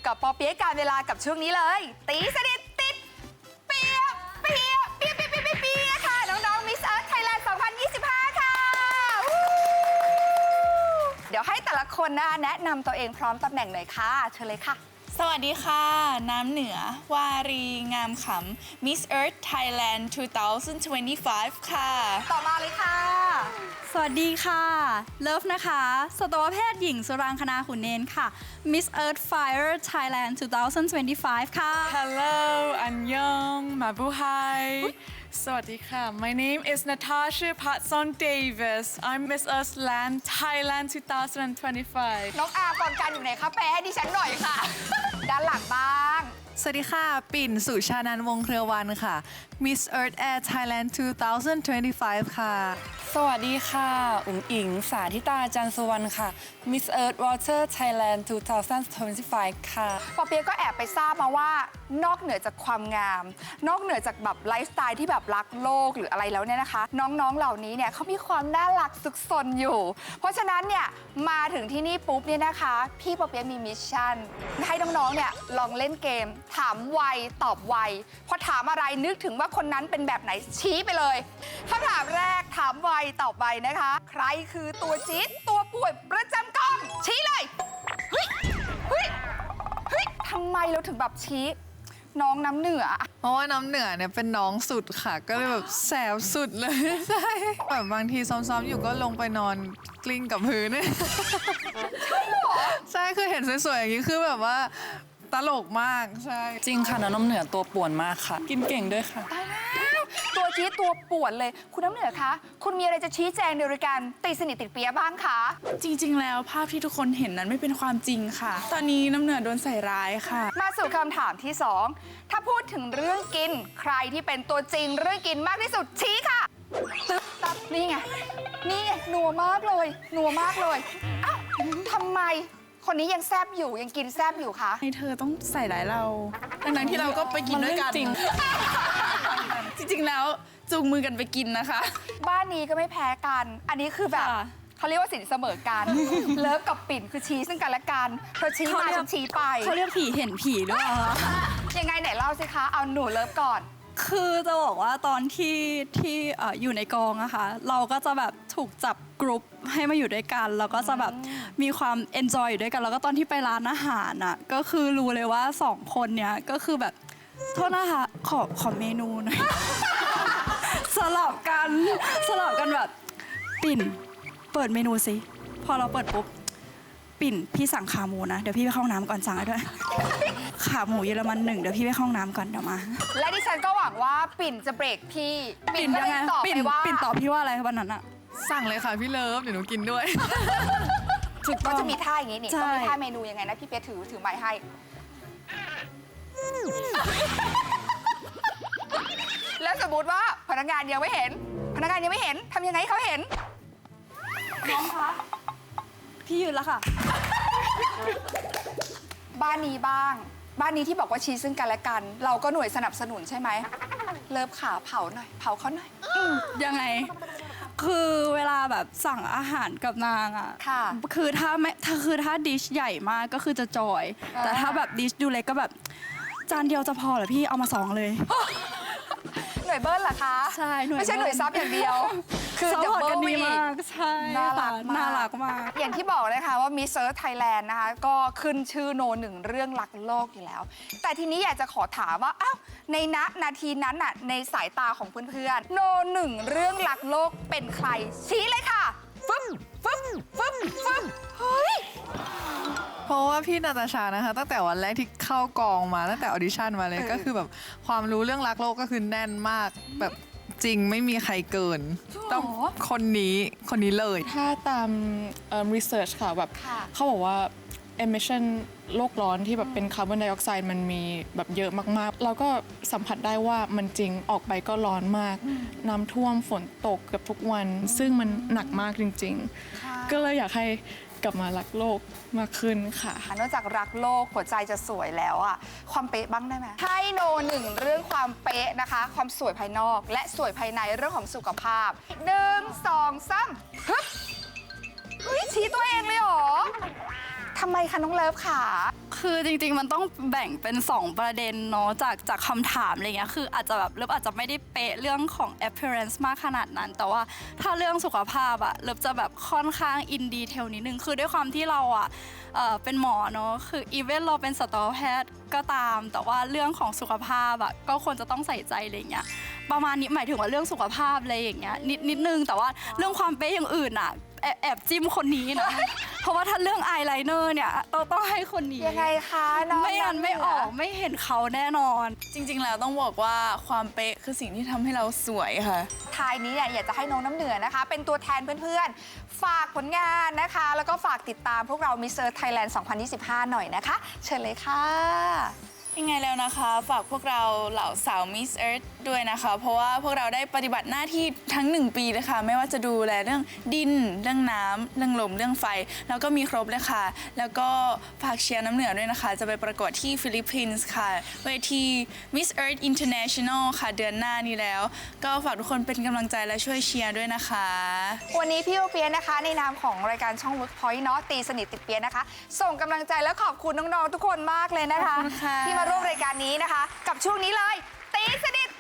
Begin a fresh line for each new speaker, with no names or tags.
กับปอเปี๊ยะการเวลากับช่วงนี้เลยตีสนิทติดเปียเปียเปียเปียเปียเปียเปียค่ะน้องๆ Miss Earth Thailand 2025 ค่ะเดี๋ยวให้แต่ละคนนะคะแนะนำตัวเองพร้อมตำแหน่งหน่อยค่ะเชิญเลยค่ะ
สวัสดีค่ะ น้ำเหนือ วารี งามขำ Miss Earth Thailand 2025 ค่ะ
ต่อมาเลยค่ะ
สวัสดีค่ะ เลิฟนะคะ สัตวแพทย์หญิงสุรางคณาขุนเนนค่ะ Miss Earth Fire Thailand 2025 ค่ะ
Hello, Annyeong, Mabuhay. Sawadika. My name is Natasha Patson Davis. I'm Miss Earth Land Thailand 2025.
น้องอาร์มก่อนการอยู่ไหนคะแปลให้ดิฉันหน่อยค่ะ ด้านหลังบ้าง
สวัสดีค่ะ ปิ่น สุชานันท์วงศ์เครือวันค่ะ Miss Earth Air Thailand 2025 ค่ะ
สวัสดีค่ะอุ๋งอิง สาธิตา จันทร์สุวรรณค่ะ Miss Earth Water Thailand 2025 ค่ะ
ปอเปี๊ยะก็แอบไปทราบมาว่านอกเหนือจากความงาม นอกเหนือจากแบบไลฟ์สไตล์ที่แบบรักโลกหรืออะไรแล้วเนี่ยนะคะ น้องๆเหล่านี้เนี่ยเขามีความน่ารักซุกซนอยู่ เพราะฉะนั้นเนี่ยมาถึงที่นี่ปุ๊บเนี่ยนะคะพี่ปอเปี๊ยะมีมิชชั่นให้น้องๆเนี่ยลองเล่นเกม ถามไวตอบไวพอถามอะไรนึกถึงว่าคนนั้นเป็นแบบไหนชี้ไปเลยคำถามแรกถามไวตอบไวนะคะ ใครคือตัวจี๊ดตัวป่วยประจำกองชี้เลยเฮ้ยเฮ้ยเฮ้ยทำไมเราถึงแบบชี้น้องน้ำเหนือ
เพราะว่าน้ำเหนือเนี่ยเป็นน้องสุดค่ะ ก็เลยแบบแสบสุดเลย ใช่แบบบางทีซ้อมๆอยู่ก็ลงไปนอนกลิ้งกับพื้นเนี่ยใช่คือเห็นสวยๆอย่างนี้คือแบบว่าตลกมากใช่
จริงค่ะน้ำเหนือตัวป่วนมากค่ะ กินเก่งด้วยค่ะ
ตายแล้วตัวจี๊ดตัวป่วนเลย คุณน้ำเหนือคะคุณมีอะไรจะชี้แจงในรายการตีสนิทติดเปียบ้างคะ
จริงๆ แล้วภาพที่ทุกคนเห็นนั้นไม่เป็นความจริงค่ะ ตอนนี้น้ำเหนือโดนใส่ร้ายค่ะ
มาสู่คำถามที่ 2 ถ้าพูดถึงเรื่องกิน ใครที่เป็นตัวจริงเรื่องกินมากที่สุดชี้ค่ะตึ๊บตับนี่ไงนี่ไงนัวมากเลยนัวมากเลยอ้าวทำไมคนนี้ยังแซบอยู่ยังกินแซบอยู่คะ
ให้เธอต้องใส่ร้ายเราทั้งๆที่เราก็ไปกินด้วยกัน
มันเรื่องจริง
จริงๆ แล้วจูงมือกันไปกินนะคะ
บ้านนี้ก็ไม่แพ้กัน อันนี้คือแบบ
ค่ะ
เขาเรียกว่าสินเสมอกัน เลิฟกับปิ่นคือชี้ซึ่งกันและกันเธอชี้มาฉันชี้ไป
เขาเรียกผีเห็นผีด้วยเหรอคะ
ยังไงไหนเล่าสิคะ เอาหนูเลิฟก่อน
คือจะบอกว่าตอนที่อยู่ในกองอะค่ะ เราก็จะแบบถูกจับกรุ๊ปให้มาอยู่ด้วยกันแล้วก็จะแบบมีความเอนจอยอยู่ด้วยกัน แล้วก็ตอนที่ไปร้านอาหารอะก็คือรู้เลยว่าสองคนเนี้ยก็คือแบบโทษนะคะขอเมนูหน่อย สลับกันแบบปิ่นเปิดเมนูสิพอเราเปิดปุ๊บปิ่นพี่สั่งขาหมูนะเดี๋ยวพี่ไปเข้าห้องน้ำก่อนสั่งให้ด้วย ขาหมูเยอรมัน1เดี๋ยวพี่ไปเข้าห้องน้ำก่อนเดี๋ยวมา
และดิฉันก็หวังว่าปิ่นจะเบรกพี่ ปิ่นก็เลยตอบไปว่า
ปิ่นตอบพี่ว่าอะไรวันนั้นอะ
สั่งเลยค่ะพี่เลิฟเดี๋ยวหนูกินด้วย
ก็จะมีท่าอย่างนี้นี่
ใช่
ต้องมีท่าเมนูยังไงนะพี่เปียถือไม้ให้ แล้วสมมติว่าพนักงานยังไม่เห็นทำยังไงให้เขาเห็น
น้องคะพี่ยืนแล้วค่ะ
บ้านนี้บ้าง บ้านนี้ที่บอกว่าชี้ซึ่งกันและกัน เราก็หน่วยสนับสนุนใช่ไหม เลิฟขาเผาหน่อย เผาเขาหน่อย
ยังไง คือเวลาแบบสั่งอาหารกับนางอ่ะ
ค่ะ
คือถ้าดิชใหญ่มากก็คือจะจอย แต่ถ้าแบบดิชดูเล็กก็แบบจานเดียวจะพอเหรอพี่เอามา2เลย
หน่วยเบิ้ลเหรอคะ
ใช่หน่วย
ไม่ใช่หน่วยซับอย่างเดียว คือ
ซัพ
ดับ
พอร์ต
เบิ
กั
ล
นดี
วี
มากใช่
น่ารัก
ค่ะ
มาก
น่ารักมาก
อย่างที่บอกเลยค่ะว่ามิสเซอร์ไทยแลนด์นะคะ ก็ขึ้นชื่อโนหนึ่งเรื่องรักโลกอยู่แล้ว แต่ทีนี้อยากจะขอถามว่าอ้าวในนาทีนั้นน่ะในสายตาของเพื่อนๆโนหนึ่งเรื่องรักโลกเป็นใคร ชี้เลยค่ะฟึ้มฟึ้มฟึ้มฟึ้มเฮ้ย
เพราะว่าพี่นาตาชานะคะ ตั้งแต่วันแรกที่เข้ากองมาตั้งแต่ออดิชั่นมาเลยก็คือแบบความรู้เรื่องรักโลกก็คือแน่นมากแบบจริงไม่มีใครเกิน ต้องคนนี้เลย
ถ้าตามresearch ค่ะแบบ
ค่ะ
เขาบอกว่า emission โลกร้อนที่แบบเป็นคาร์บอนไดออกไซด์มันมีแบบเยอะมากๆ เราก็สัมผัสได้ว่ามันจริงออกไปก็ร้อนมาก น้ำท่วมฝนตกเกือบทุกวัน ซึ่งมันหนักมากจริงๆ ก็เลยอยากให้กลับมารักโลกมากขึ้นค่ะ
นอกจากรักโลกหัวใจจะสวยแล้วอะความเป๊ะบ้างได้ไหมให้โนหนึ่งเรื่องความเป๊ะนะคะ ความสวยภายนอกและสวยภายในเรื่องของสุขภาพ1 2 3ฮึบเฮ้ยชี้ตัวเองเลยเหรอทำไมคะน้องเลิฟค่ะ
คือจริงๆ มันต้องแบ่งเป็น 2 ประเด็นเนาะจากคำถามอะไรเงี้ยคืออาจจะแบบเลิฟอาจจะไม่ได้เป๊ะเรื่องของ appearance มากขนาดนั้น แต่ว่าถ้าเรื่องสุขภาพอะเลิฟจะแบบค่อนข้างอินดีเทลนิดนึงคือด้วยความที่เราอะเป็นหมอเนาะคืออีเวนเราเป็นสัตวแพทย์ก็ตาม แต่ว่าเรื่องของสุขภาพอะก็ควรจะต้องใส่ใจอะไรเงี้ยประมาณนี้หมายถึงว่าเรื่องสุขภาพอะไรอย่างเงี้ยนิดนึงแต่ว่าเรื่องความเป๊ะอย่างอื่นอะแอบจิ้มคนนี้นะ เพราะว่าถ้าเรื่องอายไลเนอร์เนี่ยต้องให้คนนี้
ยังไงคะน้อง
ไม่งั้นไม่ออกไม่เห็นเขาแน่นอน
จริงๆ แล้วต้องบอกว่าความเป๊ะคือสิ่งที่ทำให้เราสวยค่ะ
ท้ายนี้เนี่ยอยากจะให้น้องน้ำเหนือนะคะ เป็นตัวแทนเพื่อนๆ ฝากผลงานนะคะ แล้วก็ฝากติดตามพวกเรา Miss Earth Thailand 2025 หน่อยนะคะ เชิญเลยค่ะ
ยังไงแล้วนะคะฝากพวกเราเหล่าสาว Miss Earth ด้วยนะคะ เพราะว่าพวกเราได้ปฏิบัติหน้าที่ทั้ง 1 ปีเลยค่ะ ไม่ว่าจะดูแลเรื่องดิน เรื่องน้ำเรื่องลมเรื่องไฟ แล้วก็มีครบเลยค่ะ แล้วก็ฝากเชียร์น้ำเหนือด้วยนะคะ จะไปประกวดที่ฟิลิปปินส์ค่ะ เวที Miss Earth International ค่ะ เดือนหน้านี้แล้ว ก็ฝากทุกคนเป็นกำลังใจและช่วยเชียร์ด้วยนะคะ
วันนี้พี่โอเปียนะคะ ในนามของรายการช่อง Workpoint เนาะตีสนิทติดเปียนะคะ ส่งกำลังใจและขอบคุณน้องๆทุกคนมากเลยนะคะ
ขอบคุณค่ะ
ที่มาร่วมรายการนี้นะคะ กับช่วงนี้เลย ตีสนิท